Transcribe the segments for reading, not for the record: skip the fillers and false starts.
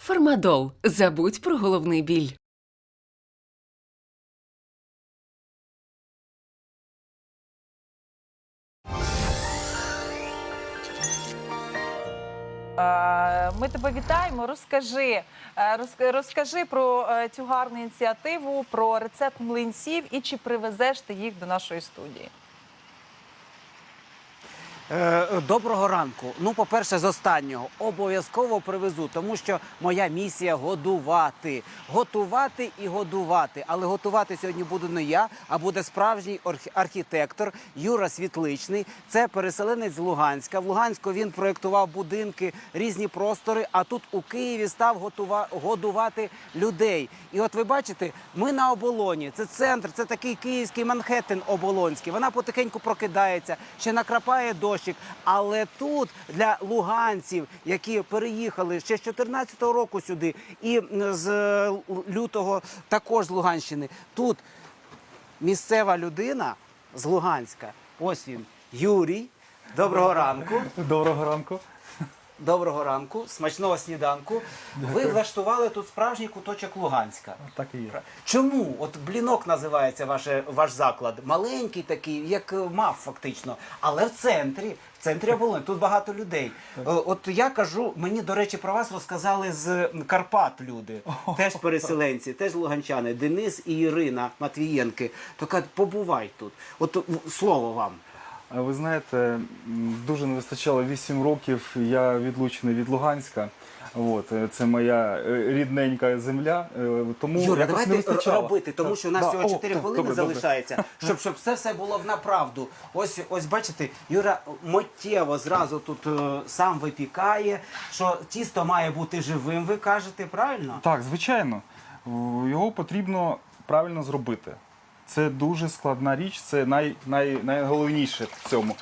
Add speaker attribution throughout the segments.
Speaker 1: Фармадол. Забудь про головний біль.
Speaker 2: Ми тебе вітаємо. Розкажи про цю гарну ініціативу, про рецепт млинців і чи привезеш ти їх до нашої студії.
Speaker 3: Доброго ранку. Ну, по-перше, з останнього. Обов'язково привезу, тому що моя місія – годувати. Готувати і годувати. Але готувати сьогодні буду не я, а буде справжній архітектор Юра Світличний. Це переселенець з Луганська. В Луганську він проєктував будинки, різні простори, а тут у Києві став годувати людей. І от ви бачите, ми на Оболоні. Це центр, це такий київський Манхеттен оболонський. Вона потихеньку прокидається, ще накрапає дощик. Але тут для луганців, які переїхали ще з 2014 року сюди і з лютого також з Луганщини, тут місцева людина з Луганська, ось він, Юрій. Доброго ранку.
Speaker 4: Доброго ранку.
Speaker 3: Доброго ранку, смачного сніданку. Ви влаштували тут справжній куточок Луганська.
Speaker 4: Так і є.
Speaker 3: Чому? От Блінок називається ваш заклад. Маленький такий, як МАФ фактично, але в центрі Оболоні. Тут багато людей. От я кажу, мені, до речі, про вас розказали з Карпат люди. Теж переселенці, теж луганчани. Денис і Ірина Матвієнки. То кажуть, побувай тут. От слово вам.
Speaker 4: Ви знаєте, дуже не вистачало 8 років, я відлучений від Луганська. От, це моя рідненька земля, тому
Speaker 3: Юра,
Speaker 4: якось не
Speaker 3: давайте
Speaker 4: вистачало.
Speaker 3: робити, тому що у нас всього 4 хвилини
Speaker 4: добре,
Speaker 3: залишається, щоб все було в направду. Ось бачите, Юра миттєво зразу тут сам випікає, що тісто має бути живим, ви кажете, правильно?
Speaker 4: Так, звичайно. Його потрібно правильно зробити. Це дуже складна річ, це найголовніше в цьому.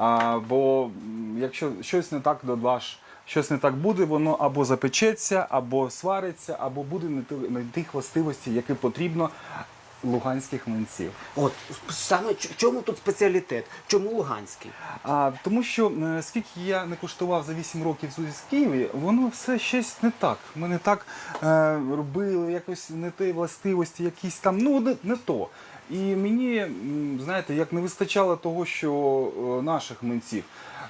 Speaker 4: Бо якщо щось не так додаш, щось не так буде, воно або запечеться, або свариться, або буде не тих властивостей, які потрібно луганських млинців.
Speaker 3: От, саме чому тут спеціалітет? Чому луганський?
Speaker 4: Тому що, скільки я не куштував за 8 років в Києві, воно все щось не так. Ми не так робили, якось не ті властивості, якісь там, ну не то. І мені, знаєте, як не вистачало того, що наших млинців,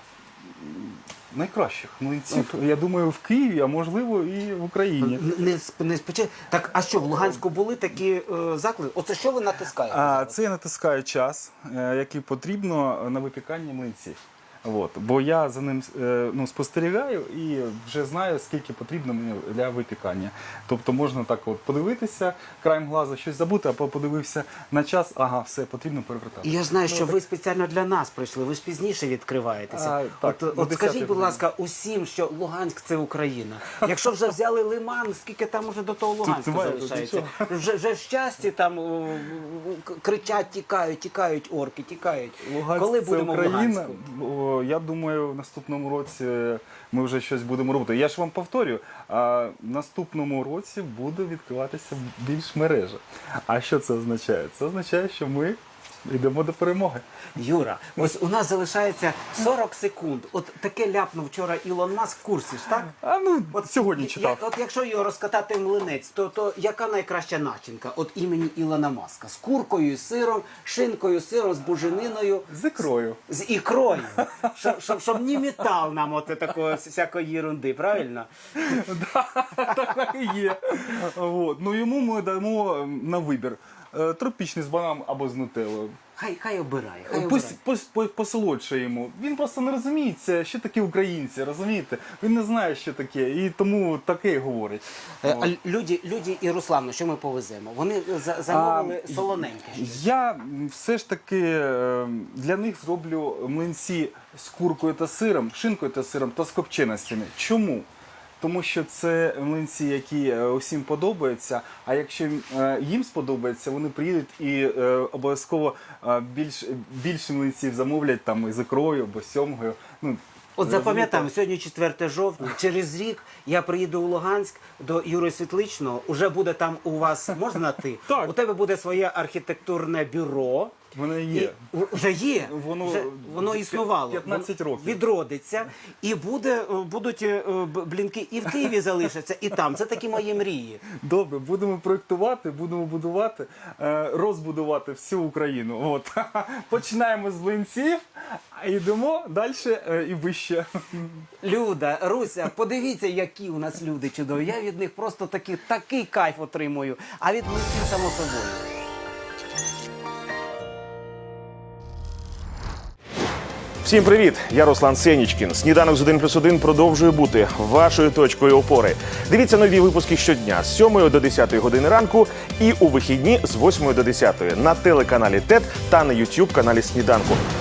Speaker 4: найкращих млинців, я думаю, в Києві, а можливо і в Україні.
Speaker 3: Так, а що, в Луганську були такі заклади? Оце що ви натискаєте?
Speaker 4: Це я натискаю час, який потрібно на випікання млинців. От, бо я за ним спостерігаю і вже знаю, скільки потрібно мені для випікання. Тобто можна так от подивитися, краєм глазу щось забути, а подивився на час, ага, все, потрібно перевертати.
Speaker 3: І я знаю, що ви спеціально для нас прийшли, ви ж пізніше відкриваєтеся. От скажіть, будь ласка, усім, що Луганськ – це Україна. Якщо вже взяли Лиман, скільки там уже до того Луганська залишається? Вже в щасті там кричать, тікають орки, тікають.
Speaker 4: Луганськ –
Speaker 3: Коли
Speaker 4: це
Speaker 3: будемо в
Speaker 4: Україна.
Speaker 3: Луганську?
Speaker 4: Я думаю, в наступному році ми вже щось будемо робити. Я ж вам повторюю, в наступному році буде відкриватися більш мережа. А що це означає? Це означає, що ми йдемо до перемоги.
Speaker 3: Юра, ось у нас залишається 40 секунд. От таке ляпнув вчора Ілон Маск в курсі ж, так?
Speaker 4: Сьогодні читав.
Speaker 3: От якщо його розкатати в млинець, то яка найкраща начинка от імені Ілона Маска? З куркою, з сиром, шинкою, сиром, з бужениною.
Speaker 4: З ікрою.
Speaker 3: З ікрою. Щоб не метал нам от такої всякої єрунди, правильно?
Speaker 4: Так і є. Ну йому ми дамо на вибір. Тропічний з бананом або з нутеллою.
Speaker 3: Хай обирає.
Speaker 4: Посолодше йому. Він просто не розуміється, що таке українці, розумієте? Він не знає, що таке, і тому таке й говорить.
Speaker 3: Люді і Руслану, що ми повеземо? Вони замовили солоненьке.
Speaker 4: Я все ж таки для них зроблю млинці з куркою та сиром, шинкою та сиром та з копченостями. Чому? Тому що це млинці, які усім подобаються, а якщо їм сподобається, вони приїдуть і обов'язково більше млинців замовлять там із ікрою або сьомгою.
Speaker 3: От запам'ятаємо, сьогодні 4 жовтня, через рік я приїду у Луганськ до Юрія Світличного, уже буде там у вас, можна на ти?
Speaker 4: Так.
Speaker 3: У тебе буде своє архітектурне бюро,
Speaker 4: Воно є.
Speaker 3: Вже є.
Speaker 4: Воно-
Speaker 3: Воно існувало.
Speaker 4: 15 років.
Speaker 3: Відродиться. І будуть блінки і в Києві залишаться, і там. Це такі мої мрії.
Speaker 4: Добре, будемо проєктувати, будемо будувати, розбудувати всю Україну. От. Починаємо з млинців, а йдемо далі і вище.
Speaker 3: Люда, Руся, подивіться, які у нас люди чудові. Я від них просто такий кайф отримую. А від млинців, само собою.
Speaker 5: Всім привіт! Я Руслан Сенічкін. Сніданок з 1+1 продовжує бути вашою точкою опори. Дивіться нові випуски щодня з 7 до 10 години ранку і у вихідні з 8 до 10 на телеканалі ТЕТ та на YouTube каналі Сніданку.